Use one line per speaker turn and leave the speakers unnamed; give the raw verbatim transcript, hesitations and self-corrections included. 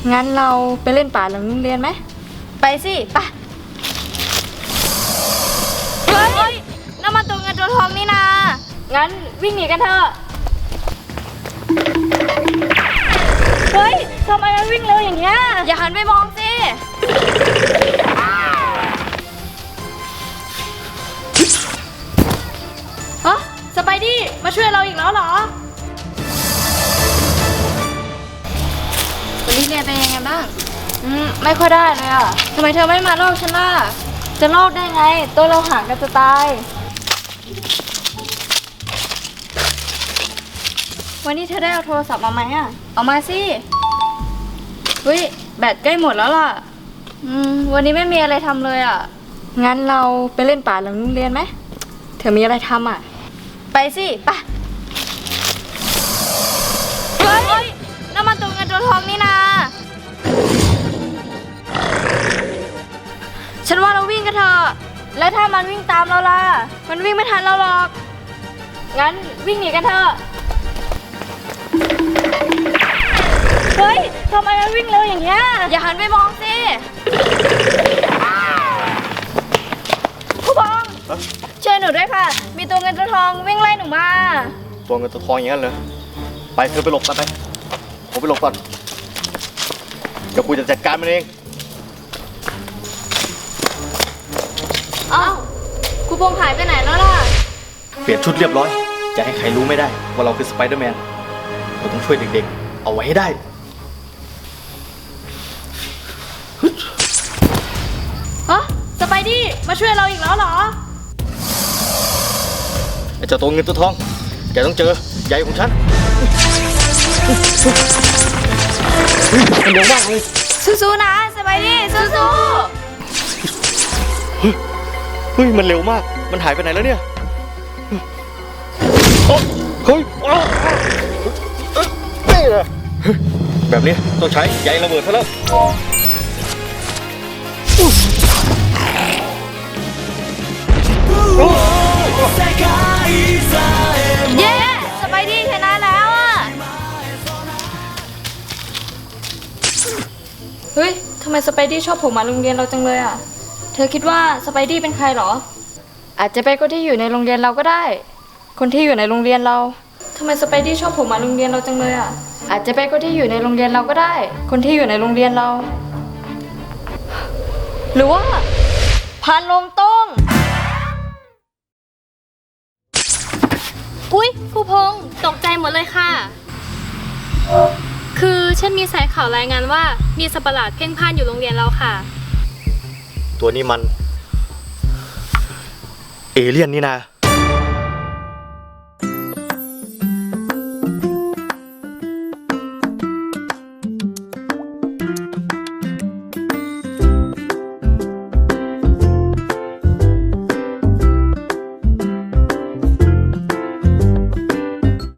งั้นเราไปเล่นป่าหลังโรงเรียนไหมไปสิไปเฮ้ยน้ำมันตัวเงินตัวทองนี่นางั้นวิ่งหนีกันเถอะเฮ้ยทำไมมันวิ่งเร็วอย่างเงี้ยอย่าหันไปมองสิฮะสไปดี้มาช่วยเราอีกแล้วเหรอวันนี้เรียนเป็นยังไงบ้างอืมไม่ค่อยได้เลยอ่ะทำไมเธอไม่มาลอกฉันล่ะจะลอกได้ไงตัวเราห่างกันจะตายวันนี้เธอได้เอาโทรศัพท์มาไหมอ่ะเอามาสิเฮ้ยแบตใกล้หมดแล้วล่ะอืมวันนี้ไม่มีอะไรทำเลยอ่ะงั้นเราไปเล่นป่าหลังโรงเรียนไหมเธอมีอะไรทำอ่ะไปสิไปเฮ้ยน้ำมันตัวเงินตัวทองนี่นาฉันว่าเราวิ่งกันเถอะแล้วถ้ามันวิ่งตามเราล่ะมันวิ่งไม่ทันเราหรอกงั้นวิ่งหนีกันเถอะเฮ้ยทำไมมันวิ่งเร็วอย่างเงี้ยอย่าหันไปมองสิผู้บองช่วยหนูด้วยค่ะมีตัวเงินตัวทองวิ่งไล่หนูมา
ตัวเงินตัวทองอย่างนั้นเหรอไปเธอไปหลบกันไปผมไปหลบก่อนเดี๋ยวกูจะจัดการมันเอง
อ้าวครูพงษ์หายไปไหนแล้วล่ะ
เปลี่ยนชุดเรียบร้อยจะให้ใครรู้ไม่ได้ว่าเราคือสไปเดอร์แมนเราต้องช่วยเด็กๆเอาไว้ให้ได้
ฮะสไปดี้มาช่วยเราอีกแล้วเหรอ
ไอ้เจ้าตัวเงินตัวทองแกต้องเจอใหญ่ของฉันมันเร็วมากเลย
สู้ๆนะสไปดี้สู้
ๆเฮ้ยมันเร็วมากมันหายไปไหนแล้วเนี่ยเฮ้ยแบบนี้ต้องใช้ใยระเบิดซะแล้ว
เย้สไปดี้ชนะแล้วอ่ะเฮ้ยทำไมสไปดี้ชอบผมมาโรงเรียนเราจังเลยอ่ะเธอคิดว่าสไปดี้เป็นใครหรออาจจะเป็นคนที่อยู่ในโรงเรียนเราก็ได้คนที่อยู่ในโรงเรียนเราทำไมสไปดี้ชอบผมมาโรงเรียนเราจังเลยอ่ะอาจจะเป็นคนที่อยู่ในโรงเรียนเราก็ได้คนที่อยู่ในโรงเรียนเราหรือว่าพานลงต้ง
อุ๊ยครูพงษ์ตกใจหมดเลยค่ะคือฉันมีสายข่าวรายงานว่ามีสัตว์ประหลาดเพ่นพ่านอยู่โรงเรียนเราค่ะ
ตัวนี้มันเอเลี่ยนนี่นะ